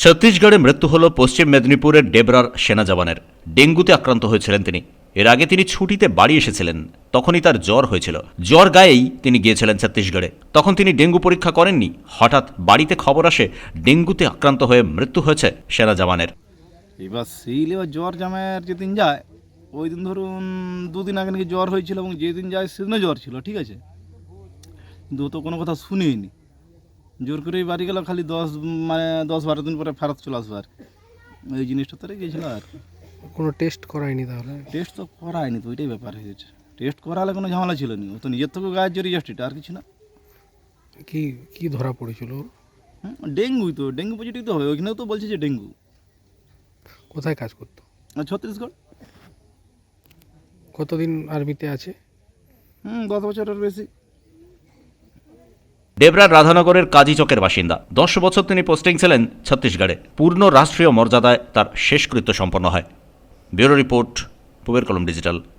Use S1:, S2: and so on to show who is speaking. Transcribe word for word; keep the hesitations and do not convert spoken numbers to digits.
S1: ছত্তিশগড়ে মৃত্যু হল পশ্চিম মেদিনীপুরের ডেবরার সেনা জওয়ানের। ডেঙ্গুতে আক্রান্ত হয়েছিলেন তিনি। এর আগে তিনি ছুটিতে বাড়ি এসেছিলেন, তখনই তার জ্বর হয়েছিল। জ্বর গায়েই তিনি গিয়েছিলেন ছত্তিশগড়ে। তখন তিনি ডেঙ্গু পরীক্ষা করেননি। হঠাৎ বাড়িতে খবর আসে ডেঙ্গুতে আক্রান্ত হয়ে মৃত্যু হয়েছে সেনা জওয়ানের।
S2: এবার সেই এবার জ্বর জামাইয়ের যেদিন যায় ওই দিন ধরুন দুদিন আগে নাকি জ্বর হয়েছিল এবং যেদিন যায় সেদিনও জ্বর ছিল, ঠিক আছে, কিন্তু ও তো কোনো কথা শুনেইনি। জোর করেই বাড়ি গেল, খালি দশ মানে দশ বারো দিন পরে ফেরত চলে আসবো আর কি। ওই জিনিসটা তো গিয়েছিল আর
S3: কোনো টেস্ট করায়নি তাহলে?
S2: টেস্ট তো করায়নি, তো ওইটাই ব্যাপার হয়েছে। টেস্ট করালে কোনো ঝামেলা ছিল না, ও তো নিজের থেকেও গায়ের জোর রেজিস্ট্রিটা আর কিছু না।
S3: কি কি ধরা পড়েছিল?
S2: হুম, ডেঙ্গুই তো, ডেঙ্গু পজিটিভ তো হবে, ওইখানেও তো বলছে যে ডেঙ্গু।
S3: কোথায় কাজ করতো?
S2: আর ছত্তিশগড়।
S3: কতদিন আর্মিতে আছে?
S2: হুম, দশ বছরের বেশি।
S1: ডেবরার রাধানগরের কাজীচকের বাসিন্দা। দশ বছর তিনি পোস্টিং ছিলেন ছত্তিশগড়ে। পূর্ণ রাষ্ট্রীয় মর্যাদায় তার শেষকৃত্য সম্পন্ন হয়। ব্যুরো রিপোর্ট, পূবের কলম ডিজিটাল।